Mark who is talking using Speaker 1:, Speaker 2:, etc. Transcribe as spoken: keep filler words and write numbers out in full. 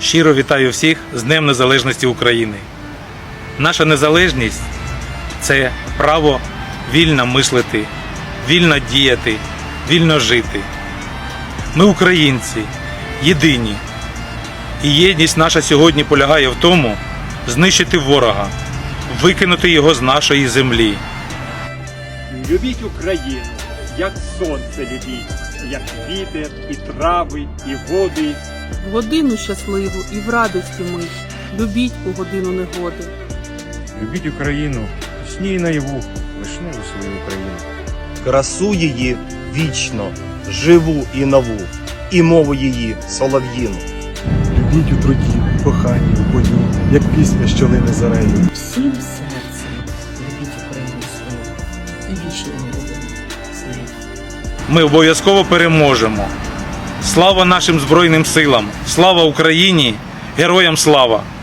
Speaker 1: Щиро вітаю всіх з Днем Незалежності України. Наша незалежність – це право вільно мислити, вільно діяти, вільно жити. Ми українці, єдині. І єдність наша сьогодні полягає в тому, знищити ворога, викинути його з нашої землі.
Speaker 2: Любіть Україну, як сонце любіть, як вітер, і трави, і води.
Speaker 3: В годину щасливу і в радості ми, любіть у годину негоди.
Speaker 4: Любіть Україну, у сні і наяву, вишневу свою Україну.
Speaker 5: Красу її вічно, живу і нову, і мову її солов'їну.
Speaker 6: Любіть у труді, коханні, у бою, як пісня, що лине зарею.
Speaker 7: Всім серцем любіть Україну свою і вічно будемо з нею.
Speaker 1: Ми обов'язково переможемо. Слава нашим Збройним силам! Слава Україні! Героям слава!